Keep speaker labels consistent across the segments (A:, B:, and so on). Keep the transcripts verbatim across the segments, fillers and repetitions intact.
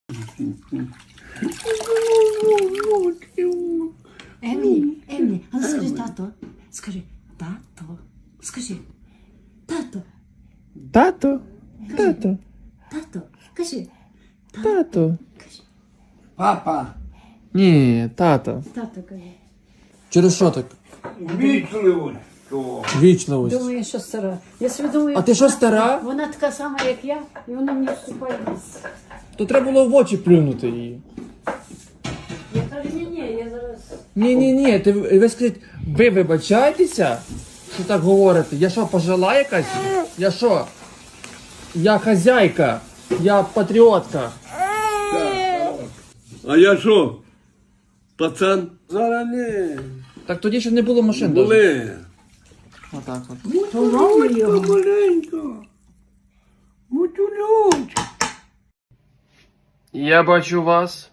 A: Емілі, Емілі, а ну скажи тато. Скажи, тато. Скажи, тато,
B: Тато, тато,
A: тато. Кажи,
B: тато.
A: кажи.
C: Папа,
B: Ні, тато.
A: Тато кажи.
B: Через що так?
C: вічливо.
B: Вічливість.
A: Думаю, що стара. Я собі думаю,
B: А ти що, стара?
A: вона така сама, як я, і вона мені вступає в ліс.
B: То треба було в очі плюнути її.
A: Я кажу, ні-ні, я зараз...
B: Ні, ні, ні, ти ви скажіть, ви вибачаєтеся, що так говорите? Я що, пожила якась? Я що? Я хазяйка, я патріотка.
C: А я що? Пацан? Зараз не.
B: Так тоді ще не було машин. даже.
C: Були.
B: Отак от.
C: Маленько, маленько. Гутюлють.
B: Я бачу вас.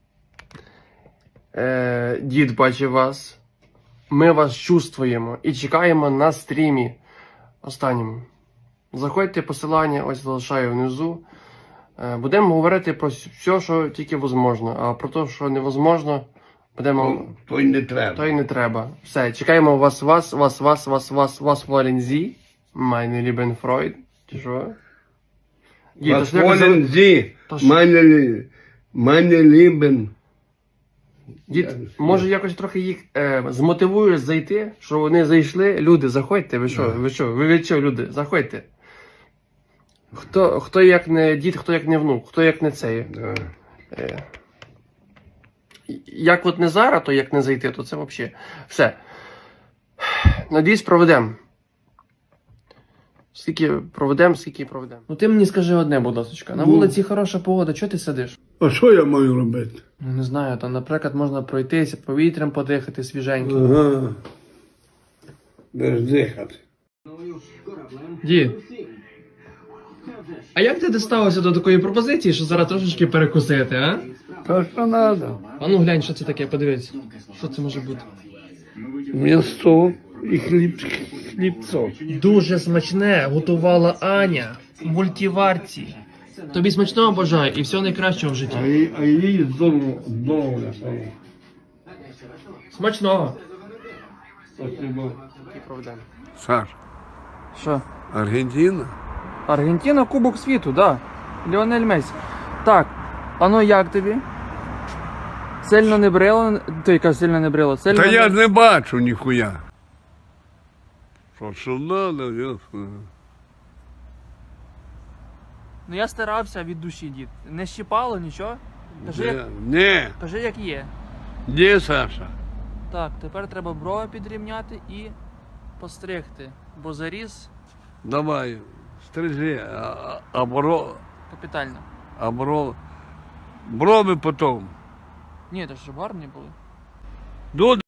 B: Е, дід бачить вас. Ми вас чувствуємо і чекаємо на стрімі останньому. Заходьте, посилання ось залишаю внизу. Е, будемо говорити про все, що тільки можливо. А про те, що невозможно, будемо...
C: То й не треба.
B: То й не треба. Все, чекаємо вас, вас, вас, вас, вас, вас, вас, Валензі. Meine lieben Freund. Чи що? Дід, то ж якось за-
C: Волен зі.
B: то ж-
C: Мене лі- мене лібен.
B: Дід, може якось трохи їх е, змотивуєш зайти, що вони зайшли. Люди, заходьте, ви що, ви що, ви від чого, люди, заходьте. Хто, хто як не дід, хто як не внук, хто як не цей.
C: Да.
B: Е, як от не зараз, то як не зайти, то це взагалі. Все. Надіюсь, проведемо. Скільки проведемо, скільки проведемо. Ну ти мені скажи одне, будь ласка. На
C: Ну.
B: вулиці хороша погода, чого ти сидиш?
C: А що я маю робити?
B: Ну не знаю, там, наприклад, можна пройтися, повітрям подихати свіженьким.
C: Ага. Де ж дихати?
B: Дід. А як ти дісталося до такої пропозиції, що зараз трошечки перекусити, а?
C: Та що треба?
B: А ну глянь, що це таке, подивись. Що це може бути?
C: М'ясо і хліб, хлібцо.
B: Дуже смачне готувала Аня в мультиварці. Тобі смачного бажаю і всього найкращого в
C: А
B: житті.
C: їй, а їй здорово, здорово.
B: Смачного.
C: Спасибо.
B: Саш. Що?
C: Аргентина?
B: Аргентина, Кубок світу, да. Ліонель Месі. Так, а ну як тобі? Сильно не брило? Ти яка сильно не брило? Сильно
C: Та
B: не...
C: я ж не бачу ніхуя. Що, що надо, ясно.
B: Ну я старався від душі, дід. Не щипало нічого? Кажи, як,
C: Ні,
B: кажи, як є.
C: ні, Саша.
B: Так, тепер треба брови підрівняти і постригти. Бо заріз
C: Давай, стрижи, а, а бро,
B: капітально.
C: а бро, брови потом.
B: Ні, то ж гарні були.
C: Ну,